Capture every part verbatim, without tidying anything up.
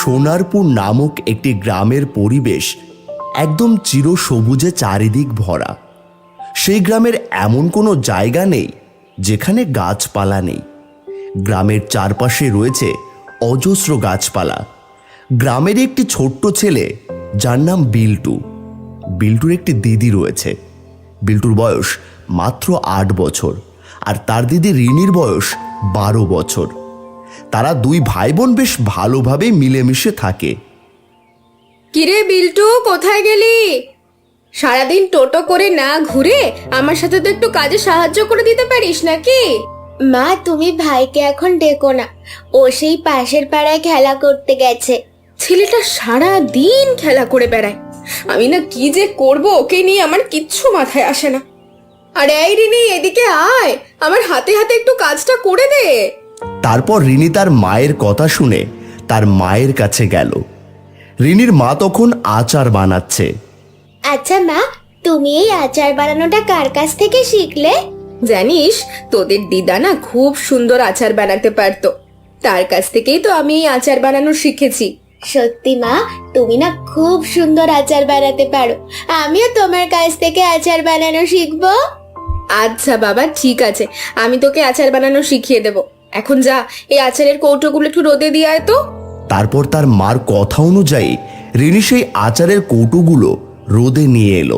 সোনারপুর নামক একটি গ্রামের পরিবেশ একদম চিরসবুজে চারিদিক ভরা। সেই গ্রামের এমন কোনো জায়গা নেই যেখানে গাছপালা নেই। গ্রামের চারপাশে রয়েছে অজস্র গাছপালা। গ্রামের একটি ছোট্ট ছেলে যার নাম বিল্টু। বিল্টুর একটি দিদি রয়েছে। বিল্টুর বয়স মাত্র আট বছর আর তার দিদি রিনির বয়স বারো বছর। তারা দুই ভাই বোন বেশ ভালোভাবে মিলেমিশে থাকে। কিরে বিল্টু, কোথায় গেলি? সারাদিন টোটো করে না ঘুরে আমার সাথে তো একটু কাজে সাহায্য করে দিতে পারিস নাকি? মা, তুমি ভাইকে এখন ডেকো না, ও সেই পাশের পাড়ায় খেলা করতে গেছে। ছেলেটা সারা দিন খেলা করে বেড়ায়। আমি না কি যে করব ওকে নিয়ে, আমার কিচ্ছু মাথায় আসে না। আরে এই রিনি, এদিকে আয়, আমার হাতে হাতে একটু কাজটা করে দে। তারপর রিনি তার মায়ের কথা শুনে তার মায়ের কাছে গেল। রিনির মা তখন আচার বানাচ্ছে। আচ্ছা মা, তুমি এই আচার বানানোটা কার কাছ থেকে শিখলে? জানিস, তোদের দিদা না খুব সুন্দর আচার বানাতে পারতো। তার কাছ থেকেই তো আমি এই আচার বানানো শিখেছি। সত্যি মা, তুমি না খুব সুন্দর আচার বানাতে পারো। আমিও তোমার কাছ থেকে আচার বানানো শিখবো। আচ্ছা বাবা, ঠিক আছে, আমি তোকে আচার বানানো শিখিয়ে দেব। এখন যা, এই আচারের কৌটোগুলো একটু রোদে দিয়ে আয় তো। তারপর তার মার কথা অনুযায়ী রিনি সেই আচারের কৌটোগুলো রোদে নিয়ে এলো।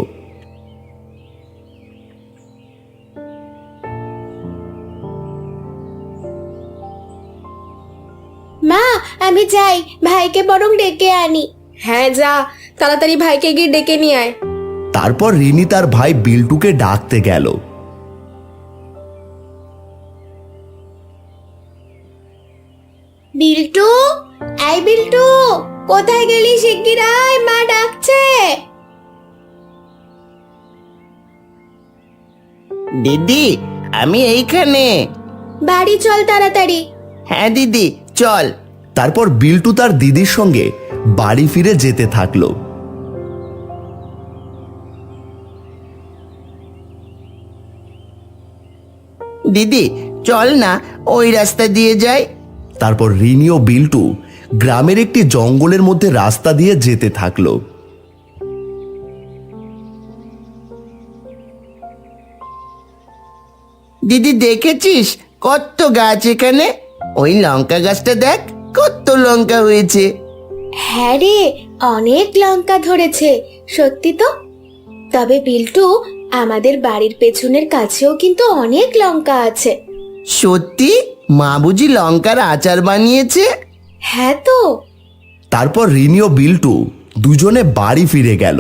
মা, আমি যাই, ভাইকে বরং ডেকে আনি। হ্যাঁ যা, তাড়াতাড়ি ভাইকে গিয়ে ডেকে নিয়ে আয়। তারপর রিনি তার ভাই বিল্টুকে ডাকতে গেল। বিল্টু, এই বিল্টু, কোথায় গেলি? শিগগির আয়, মা ডাকছে। দিদি, আমি এইখানে। বাড়ি চল তাড়াতাড়ি। হ্যাঁ দিদি, চল। তারপর বিল্টু তার দিদির সঙ্গে বাড়ি ফিরে যেতে থাকলো। দিদি চল না, ওই রাস্তা দিয়ে যাই। তারপর রিনি ও বিল্টু গ্রামের একটি জঙ্গলের মধ্যে রাস্তা দিয়ে যেতে থাকলো। দিদি দেখেছিস কত গাছ এখানে? ওই লঙ্কা গাছটা দেখ, কত লঙ্কা হয়েছে। হ্যাঁ রে, অনেক লঙ্কা ধরেছে, সত্যি তো। তবে বিল্টু, আমাদের বাড়ির পেছনের কাছেও কিন্তু অনেক লঙ্কা আছে। সত্যি? মা বুঝি লঙ্কার আচার বানিয়েছে? হ্যাঁ তো। তারপর রিনি ও বিল্টু দুজনে বাড়ি ফিরে গেল।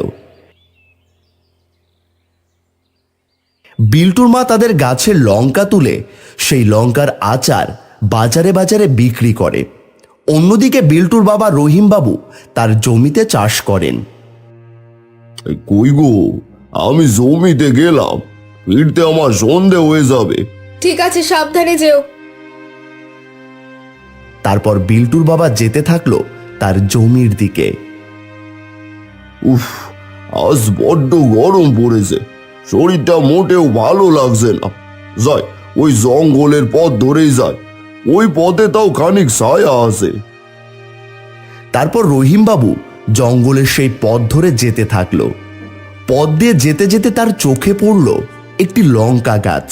বিল্টুর মা তাদের গাছের লঙ্কা তুলে সেই লঙ্কার আচার বাজারে বাজারে বিক্রি করে। অন্যদিকে বিল্টুর বাবা রহিম বাবু তার জমিতে চাষ করেন। কই গো, আমি জমিতে গেলাম, ফিরতে আমার সন্ধে হয়ে যাবে। ঠিক আছে, সাবধানে যেও। তারপর বিল্টুর বাবা যেতে থাকলো তার জমির দিকে। উফ, আজ বড্ড গরম পড়েছে, শরীরটা মোটেও ভালো লাগছে না। যাই, ওই জঙ্গলের পথ ধরেই যায়, ওই পথে তাও খানিক ছায়া আছে। তারপর রহিম বাবু জঙ্গলের সেই পথ ধরে যেতে থাকলো। পথ দিয়ে যেতে যেতে তার চোখে পড়ল একটি লঙ্কা গাছ।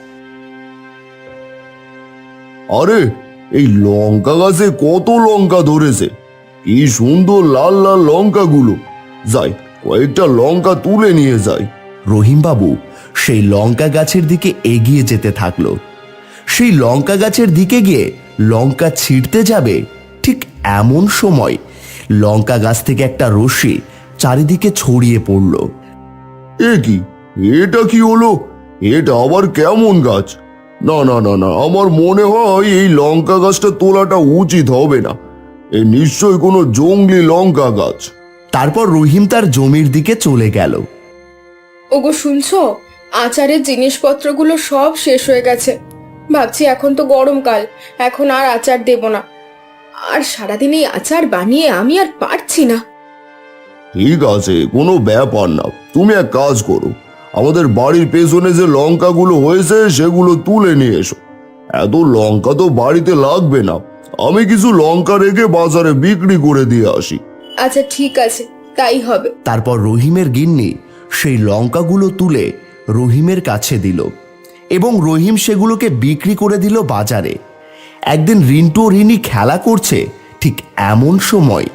আরে, এই লঙ্কা গাছে কত লঙ্কা ধরেছে! কি সুন্দর লাল লাল লঙ্কাগুলো! যাই, কয়েকটা লঙ্কা তুলে নিয়ে যাই। রহিম বাবু সেই লঙ্কা গাছের দিকে এগিয়ে যেতে থাকলো। সেই লঙ্কা গাছের দিকে গিয়ে লঙ্কা ছিঁড়তে যাবে, ঠিক এমন সময় লঙ্কা গাছ থেকে একটা রশ্মি চারিদিকে ছড়িয়ে পড়ল। এ কি, এটা কি হলো? এটা আবার কেমন গাছ? না না না না, আমার মনে হয় এই লঙ্কা গাছটা তোলাটা উচিত হবে না। এ নিশ্চয়ই কোনো জঙ্গলি লঙ্কা গাছ। তারপর রহিম তার জমির দিকে চলে গেল। ওগো শুনছো, আচারের জিনিসপত্রগুলো সব শেষ হয়ে গেছে। ভাবছি এখন তো গরমকাল, এখন আর আচার দেব না। আর সারাদিন এই আচার বানিয়ে আমি আর পারছি না। ঠিক আছে, কোনো ব্যাপার না, তুমি এক কাজ করো, আমাদের বাড়ির পেছনে যে লঙ্কাগুলো হয়েছে সেগুলো তুলে নিয়ে এসো। এত লঙ্কা তো বাড়িতে লাগবে না, আমি কিছু লঙ্কা রেখে বাজারে বিক্রি করে দিয়ে আসি। আচ্ছা ঠিক আছে, তাই হবে। তারপর রহিমের গিন্নি সেই লঙ্কাগুলো তুলে রহিমের কাছে দিল এবং রহিম সেগুলোকে বিক্রি করে দিল বাজারে। একদিন রিন্টু ও রিনি খেলা করছে, ঠিক এমন সময়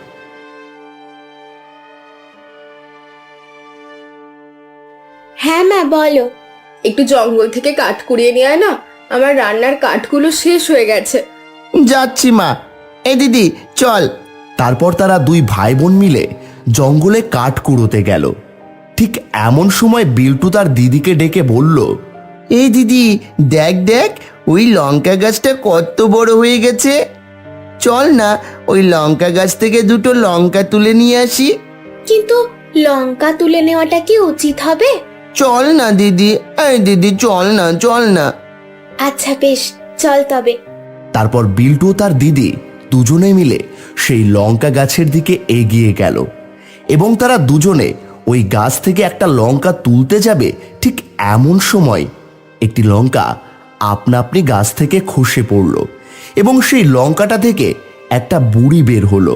হ্যাঁ মা বলো। একটু জঙ্গল থেকে কাঠ কুড়িয়ে নিয়ে আয় না, আমার রান্নার কাঠগুলো শেষ হয়ে গেছে। যাচ্ছি মা। এ দিদি চল। তারপর তারা দুই ভাই বোন মিলে জঙ্গলে কাঠ কুড়োতে গেল। ঠিক এমন সময় বিল্টু তার দিদিকে ডেকে বলল, এই দিদি দেখ দেখ, ওই লঙ্কা গাছটা কত বড় হয়ে গেছে। চল না ওই লঙ্কা গাছ থেকে দুটো লঙ্কা তুলে নিয়ে আসি। কিন্তু লঙ্কা তুলে নেওয়াটা কি উচিত হবে? চল না দিদি, এই দিদি চল না, চল না। আচ্ছা বেশ, চল তবে। তারপর বিল্টু ও তার দিদি দুজনে মিলে সেই লঙ্কা গাছের দিকে এগিয়ে গেল এবং তারা দুজনে ওই গাছ থেকে একটা লঙ্কা তুলতে যাবে। ঠিক এমন সময় একটি লঙ্কা আপনা আপনি গাছ থেকে খসে পড়ল এবং সেই লঙ্কাটা থেকে একটা বুড়ি বের হলো।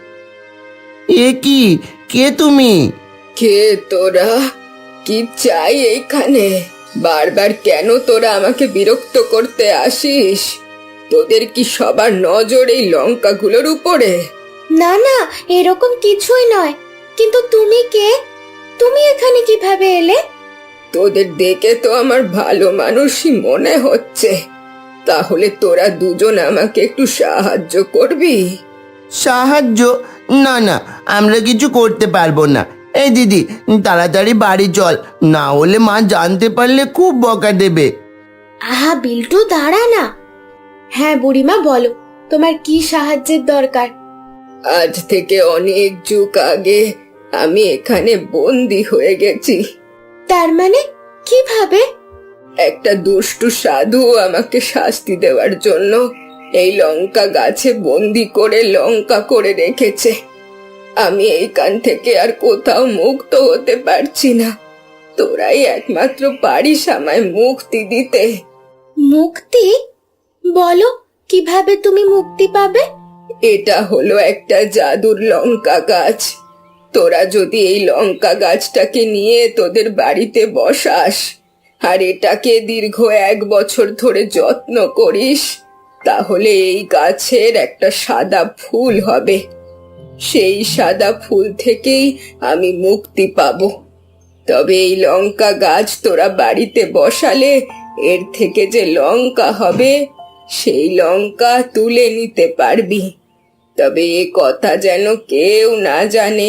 এ কি, কে তুমি? কে তোরা? কি চাই এইখানে? বারবার কেন তোরা আমাকে বিরক্ত করতে আসিস? তোদের কি সবার নজর এই লঙ্কাগুলোর উপরে? না না, এরকম কিছুই নয়। কিন্তু তুমি কে? তুমি এখানে কিভাবে এলে? তোদের দেখে তো আমার ভালো মানুষই মনে হচ্ছে। তাহলে তোরা দুজন আমাকে একটু সাহায্য করবি? সাহায্য? না না, আমরা কিছু করতে পারবো না। এই দিদি তাড়াতাড়ি বাড়ি চল, না হলে মা জানতে পারলে খুব বকা দেবে। আহা বিল্টু, দাঁড়া না। হ্যাঁ বুড়িমা, বলো তোমার কি সাহায্যের দরকার? আজ থেকে অনেক যুগ আগে আমি এখানে বন্দি হয়ে গেছি। তার মানে কিভাবে? একটা দুষ্টু সাধু আমাকে শাস্তি দেওয়ার জন্য এই লঙ্কা গাছে বন্দি করে লঙ্কা করে রেখেছে। আমি এইখান থেকে আর কোথাও মুক্ত হতে পারছি না। তোরাই একমাত্র পারিস আমায় মুক্তি দিতে। মুক্তি? বলো কিভাবে তুমি মুক্তি পাবে? এটা হলো একটা জাদুর লঙ্কা গাছ। তোরা যদি এই লঙ্কা গাছটাকে নিয়ে তোদের বাড়িতে বসাস আর এটাকে দীর্ঘ এক বছর ধরে যত্ন করিস, তাহলে এই গাছের একটা সাদা ফুল হবে। সেই সাদা ফুল থেকেই আমি মুক্তি পাবো। তবে এই লঙ্কা গাছ তোরা বাড়িতে বসালে এর থেকে যে লঙ্কা হবে সেই লঙ্কা তুলে নিতে পারবি। তবে এ কথা যেন কেউ না জানে,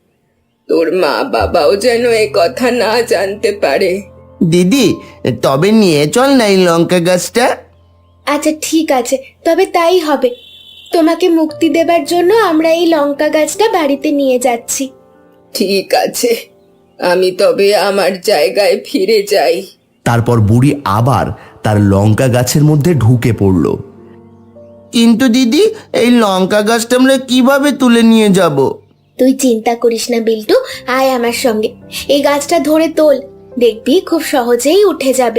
তোর মা বাবাও যেন এ কথা না জানতে পারে। দিদি তবে নিয়ে চল না এই লঙ্কা গাছটা। আচ্ছা ঠিক আছে, তবে তাই হবে। তোমাকে মুক্তি দেবার জন্য আমরা এই লঙ্কা গাছটা বাড়িতে নিয়ে যাচ্ছি। ঠিক আছে, আমি তবে আমার জায়গায় ফিরে যাই। তারপর বুড়ি আবার তার লঙ্কা গাছের মধ্যে ঢুকে পড়ল। কিন্তু দিদি এই লঙ্কা গাছটা আমরা কিভাবে তুলে নিয়ে যাব? তুই চিন্তা করিস না বিল্টু, আয় আমার সঙ্গে। এই গাছটা ধরে তোল, দেখবি খুব সহজেই উঠে যাবে।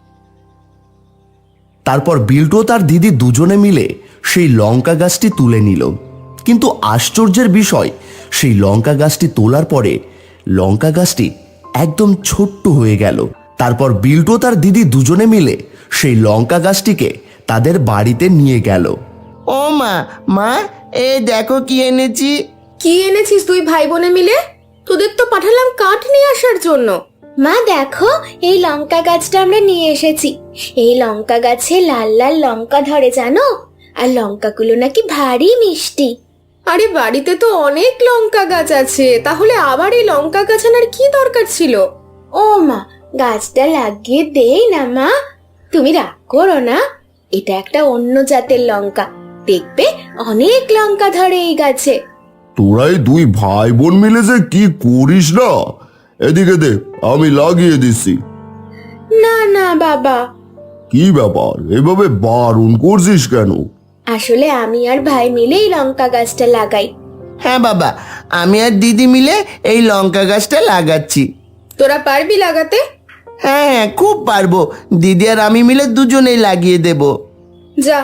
তারপর বিল্টু ও তার দিদি দুজনে মিলে সেই লঙ্কা গাছটি তুলে নিল। কিন্তু আশ্চর্যের বিষয়, সেই লঙ্কা গাছটি তোলার পরে লঙ্কা গাছটি একদম ছোট্ট হয়ে গেল। তারপর বিল্টু ও তার দিদি দুজনে মিলে সেই লঙ্কা গাছটিকে তাদের বাড়িতে নিয়ে গেল। ও মা, মা এ দেখো কি এনেছি। কি এনেছিস তুই ভাই বোনে মিলে? তোদের তো পাঠালাম কাঠ নিয়ে আসার জন্য। মা দেখো, এই লঙ্কা গাছটা আমরা নিয়ে এসেছি। এই লঙ্কা গাছে লাল লাল লঙ্কা ধরে জানো, আর লঙ্কাগুলো নাকি ভারী মিষ্টি। আরে বাড়িতে তো অনেক লঙ্কা গাছ আছে, তাহলে আবার এই লঙ্কা গাছ আনার কি দরকার ছিল? ও মা, গাছটা লাগিয়ে দেই না মা, তুমি রাগ করো না। এটা একটা অন্য জাতের লঙ্কা, দেখবে অনেক লঙ্কা ধরে এই গাছে। তোরাই দুই ভাই বোন মিলে যে কি করিস না, এদিকে দে আমি লাগিয়ে দিচ্ছি। না না বাবা। কি ব্যাপার, এভাবে বারণ করছিস কেন? আসলে আমি আর ভাই মিলে এই লঙ্কা গাছটা লাগাই। হ্যাঁ বাবা, আমি আর দিদি মিলে এই লঙ্কা গাছটা লাগাচ্ছি। তোরা পারবি লাগাতে? হ্যাঁ হ্যাঁ খুব পারবো, দিদি আর আমি মিলে দুজনেই লাগিয়ে দেব। যা,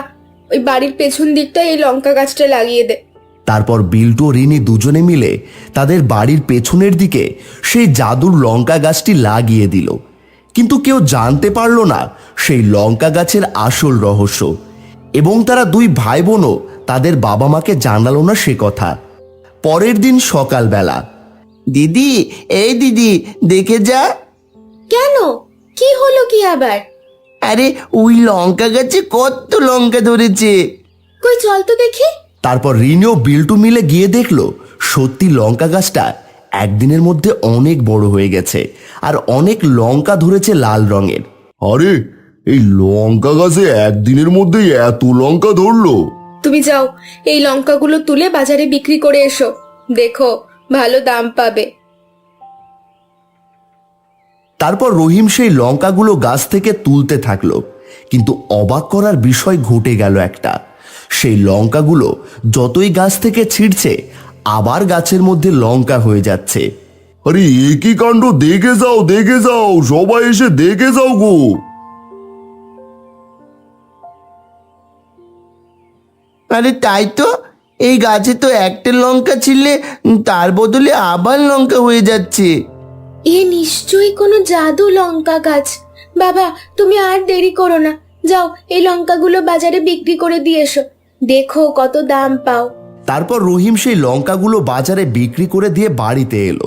ওই বাড়ির পেছন দিকটায় এই লঙ্কা গাছটা লাগিয়ে দে। তারপর বিল্টু ও রিনি দুজনে মিলে তাদের বাড়ির পেছনের দিকে সেই জাদুর লঙ্কা গাছটি লাগিয়ে দিল। কিন্তু কেউ জানতে পারল না সেই লঙ্কা গাছের আসল রহস্য, এবং তারা দুই ভাই বোনও তাদের বাবা মাকে জানালো না সে কথা। পরের দিন সকালবেলা, দিদি, এই দিদি, দেখে যা। কেন, কি হলো কি আবার? আরে ওই লঙ্কা গাছে কত লঙ্কা ধরেছে। কই চল তো দেখি। তারপর রিনি ও বিল্টু মিলে গিয়ে দেখলো সত্যি লঙ্কা গাছটা একদিনের মধ্যে অনেক বড় হয়ে গেছে, আর অনেক লঙ্কা ধরেছে লাল রঙের। আরে এই লঙ্কা গাছে একদিনের মধ্যেই এত লঙ্কা ধরলো? তুমি যাও, এই লঙ্কাগুলো তুলে বাজারে বিক্রি করে এসো, দেখো ভালো দাম পাবে। তারপর রহিম সেই লঙ্কাগুলো গাছ থেকে তুলতে থাকলো, কিন্তু অবাক করার বিষয় ঘটে গেল একটা। সেই লঙ্কাগুলো যতই গাছ থেকে ছিঁড়ছে আবার গাছের মধ্যে লঙ্কা হয়ে যাচ্ছে। আরে এ কি কাণ্ড! দেখে যাও, দেখে যাও, সবাই এসে দেখে যাও গো। আরে তাই তো, এই গাছে তো একটা লঙ্কা ছিললে তার বদলে আবার লঙ্কা হয়ে যাচ্ছে। এ নিশ্চয়ই কোনো জাদু লঙ্কা গাছ। বাবা, তুমি আর দেরি করো না, যাও এই লঙ্কাগুলো বাজারে বিক্রি করে দিয়ে এসো, দেখো কত দাম পাও। তারপর রহিম সেই লঙ্কাগুলো বাজারে বিক্রি করে দিয়ে বাড়িতে এলো।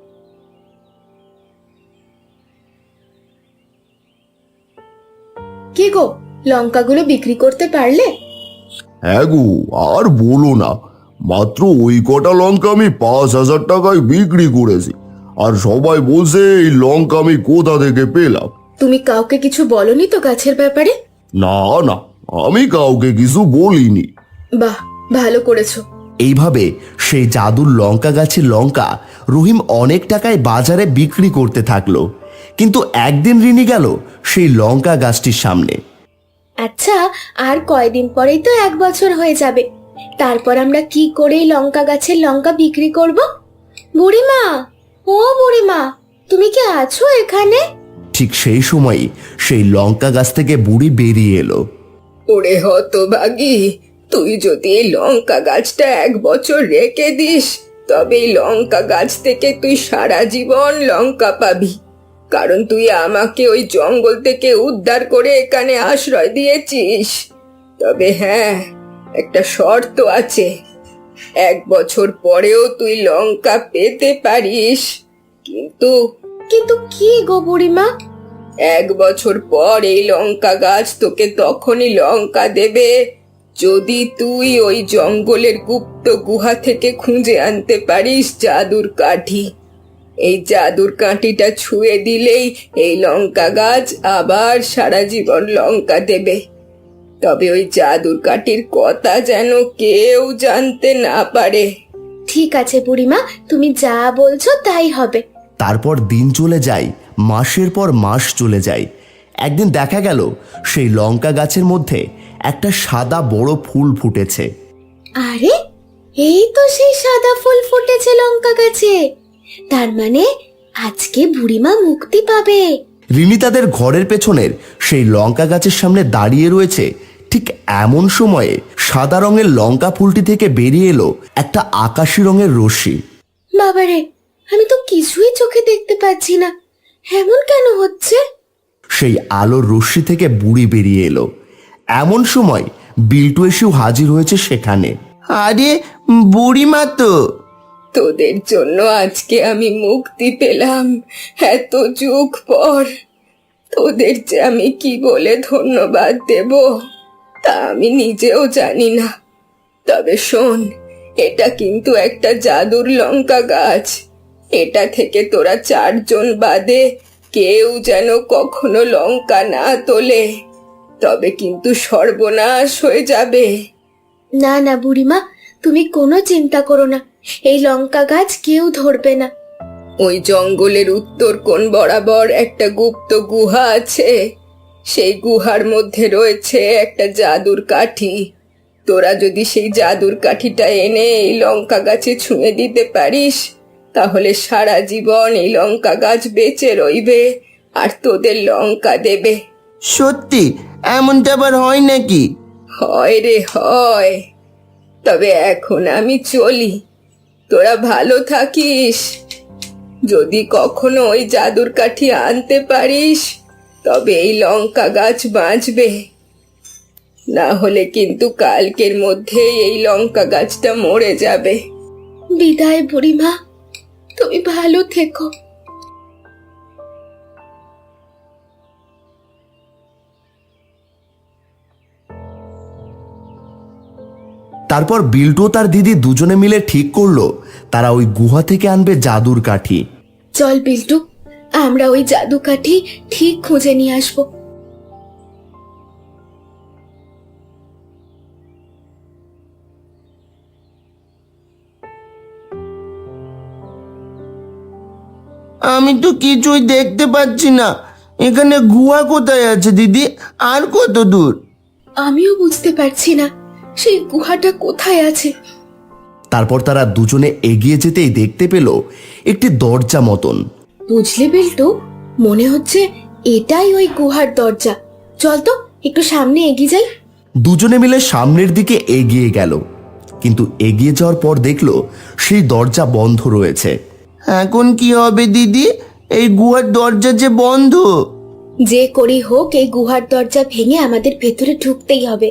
কি গো, লঙ্কাগুলো বিক্রি করতে পারলে? হ্যাঁ গো, আর বলো না, মাত্র ওই কটা লঙ্কা আমি পাঁচ হাজার টাকায় বিক্রি করেছি। আর সবাই বলছে এই লঙ্কা আমি কোথা থেকে পেলাম। তুমি কাউকে কিছু বলনি তো গাছের ব্যাপারে? না না, আমি কাউকে কিছু বলিনি। বাহ, ভালো করেছো। এইভাবে সেই জাদুর লঙ্কা গাছের লঙ্কা রহিম অনেক টাকায় বাজারে বিক্রি করতে থাকলো। কিন্তু একদিন রিনি গেল সেই লঙ্কা গাছটির সামনে। আচ্ছা, আর কয়দিন পরেই তো এক বছর হয়ে যাবে, তারপর আমরা কি করে এই লঙ্কা গাছের লঙ্কা বিক্রি করব? বুড়িমা, ও বুড়িমা, তুমি কি আছো এখানে? ঠিক সেই সময়ই সেই লঙ্কা গাছ থেকে বুড়ি বেরিয়ে এলো। ওরে হতভাগী, তুই যদি এই লঙ্কা গাছটা এক বছর রেখে দিস, তবে এই লঙ্কা গাছ থেকে তুই সারা জীবন লঙ্কা পাবি। কারণ তুই আমাকে ওই জঙ্গল থেকে উদ্ধার করে এখানে আশ্রয় দিয়েছিস। তবে হ্যাঁ, একটা শর্ত আছে, এক বছর পরেও তুই লঙ্কা পেতে পারিস। কিন্তু কিন্তু কি গো বুড়িমা? এক বছর পর এই লঙ্কা গাছ তোকে তখনই লঙ্কা দেবে যদি তুই ওই জঙ্গলের গুপ্ত গুহা থেকে খুঁজে আনতে পারিস জাদুর কাঠি। এই জাদুর কাঠিটা ছুঁয়ে দিলেই এই লঙ্কা গাছ আবার সারা জীবন লঙ্কা দেবে। তবে ওই জাদুর কাঠির কথা যেন কেউ জানতে না পারে। ঠিক আছে বুড়িমা, তুমি যা বলছো তাই হবে। তারপর দিন চলে যায়, মাসের পর মাস চলে যায়। একদিন দেখা গেল সেই লঙ্কা গাছের মধ্যে একটা সাদা বড় ফুল ফুটেছে। আরে, এই তো সেই সাদা ফুল ফুটেছে লঙ্কা গাছে, তার মানে আজকে বুড়িমা মুক্তি পাবে। রিনি তাদের ঘরের পেছনের সেই লঙ্কা গাছের সামনে দাঁড়িয়ে রয়েছে। ঠিক এমন সময়ে সাদা রঙের লঙ্কা ফুলটি থেকে বেরিয়ে এলো একটা আকাশি রঙের রশ্মি। বাবারে, আমি তো কিছুই চোখে দেখতে পাচ্ছি না, এমন কেন হচ্ছে? সেই আলোর রশ্মি থেকে বুড়ি বেরিয়ে এলো। এমন সময় বিল্টু এসেও হাজির হয়েছে সেখানে। আরে বুড়িমা তো। তোদের জন্য আজকে আমি মুক্তি পেলাম এত যুগ পর। তোদের যে আমি কি বলে ধন্যবাদ দেব তা আমি নিজেও জানি না। তবে শোন, এটা কিন্তু একটা জাদুর লঙ্কা গাছ। এটা থেকে তোরা চারজন বাদে কেউ যেন কখনো লঙ্কা না তোলে, তবে কিন্তু সর্বনাশ হয়ে যাবে। না না বুড়িমা, তুমি কোনো চিন্তা করো না, এই লঙ্কা গাছ কেউ ধরবে না। ওই জঙ্গলের উত্তর কোণ বরাবর একটা গুপ্ত গুহা আছে। সেই গুহার মধ্যে রয়েছে একটা জাদুর কাঠি। তোরা যদি সেই জাদুর কাঠিটা এনে এই লঙ্কা গাছে ছুঁয়ে দিতে পারিস, তাহলে সারা জীবন এই লঙ্কা গাছ বেঁচে রইবে আর তোদের লঙ্কা দেবে। সত্যি? এমনটা আবার হয় নাকি? হয় রে হয়, তবে এখন আমি চলি, তোরা ভালো থাকিস। যদি কখনো ওই জাদুর কাঠি আনতে পারিস তবে এই লঙ্কা গাছ বাঁচবে, না হলে কিন্তু কালকের মধ্যেই এই লঙ্কা গাছটা মরে যাবে। বিদায় বুড়িমা, তুমি ভালো থেকো। তারপর বিল্টু ও তার দিদি দুজনে মিলে ঠিক করলো তারা ওই গুহা থেকে আনবে জাদুর কাঠি। চল বিল্টু, আমরা ওই জাদু কাঠি ঠিক খুঁজে নিয়ে আসবো। আমি তো কিছুই দেখতে পাচ্ছি না। এখানে গুহা কোথায় আছে দিদি? আর কত দূর? আমিও বুঝতে পারছি না সেই গুহাটা কোথায় আছে। তারপর তারা দুজনে এগিয়ে যেতেই দেখতে পেল একটি দরজা মতন। বুঝলে বিল্টু, মনে হচ্ছে এটাই ওই গুহার দরজা। চল তো একটু সামনে এগিয়ে যাই। দুজনে মিলে সামনের দিকে এগিয়ে গেল, কিন্তু এগিয়ে যাওয়ার পর দেখলো সেই দরজা বন্ধ রয়েছে। এখন কি হবে দিদি? এই গুহার দরজা যে বন্ধ। যে করেই হোক এই গুহার দরজা ভেঙে আমাদের ভেতরে ঢুকতেই হবে।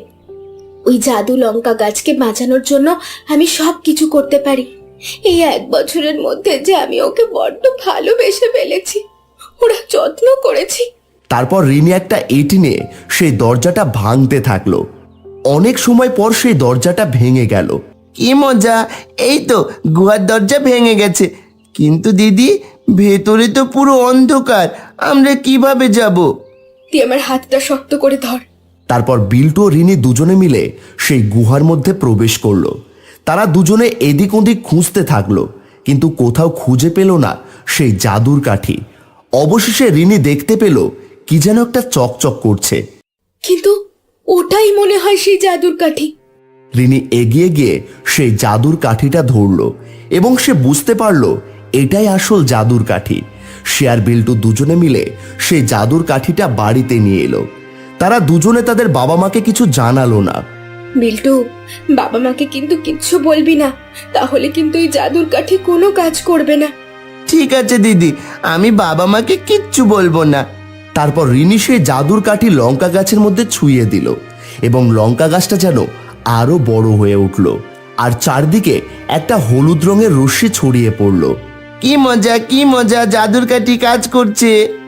ওই জাদু লঙ্কা গাছকে বাঁচানোর জন্য আমি সব কিছু করতে পারি। এই এক বছরের মধ্যে যে আমি ওকে বড্ড ভালোবেসে ফেলেছি, ওরা যত্ন করেছি। তারপর রিনি একটা এঁটি নিয়ে সেই দরজাটা ভাঙতে থাকলো। অনেক সময় পর সেই দরজাটা ভেঙে গেল। কি মজা! এই তো গুহার দরজা ভেঙে গেছে, কিন্তু দিদি ভেতরে তো পুরো অন্ধকার, আমরা কিভাবে যাব? তুই আমার হাতটা শক্ত করে ধর। তারপর বিল্টু ও রিনি দুজনে মিলে সেই গুহার মধ্যে প্রবেশ করলো। তারা দুজনে এদিক ওদিক খুঁজতে থাকলো, কিন্তু কোথাও খুঁজে পেল না সেই জাদুর কাঠি। অবশেষে রিনি দেখতে পেল কি যেন একটা চকচক করছে। কিন্তু ওটাই মনে হয় সেই জাদুর কাঠি। রিনি এগিয়ে গিয়ে সেই জাদুর কাঠিটা ধরলো এবং সে বুঝতে পারলো এটাই আসল জাদুর কাঠি। সে আর বিল্টু দুজনে মিলে সেই জাদুর কাঠিটা বাড়িতে নিয়ে এলো। তারা দুজনে তাদের বাবা মাকে কিছু জানালো না। বিল্টু, বাবা মাকে কিন্তু কিচ্ছু বলবি না, তাহলে কিন্তু এই জাদুর কাঠি কোনো কাজ করবে না। ঠিক আছে দিদি, আমি বাবা মাকে কিচ্ছু বলবো না। তারপর রিনি সেই জাদুর কাঠি লঙ্কা গাছের মধ্যে ছুঁয়ে দিল এবং লঙ্কা গাছটা যেন আরো বড় হয়ে উঠল, আর চারদিকে একটা হলুদ রঙের রশ্মি ছড়িয়ে পড়ল। কি মজা, কি মজা! জাদুর কাঠি কাজ করছে।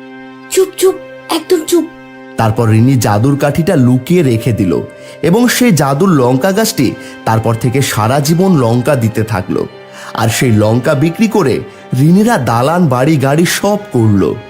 চুপ চুপ, একদম চুপ। তারপর রিনি জাদুর কাঠিটা লুকিয়ে রেখে দিল এবং সেই জাদুর লঙ্কা গাছটি তারপর থেকে সারা জীবন লঙ্কা দিতে থাকলো। আর সেই লঙ্কা বিক্রি করে রিনিরা দালান বাড়ি গাড়ি সব করলো।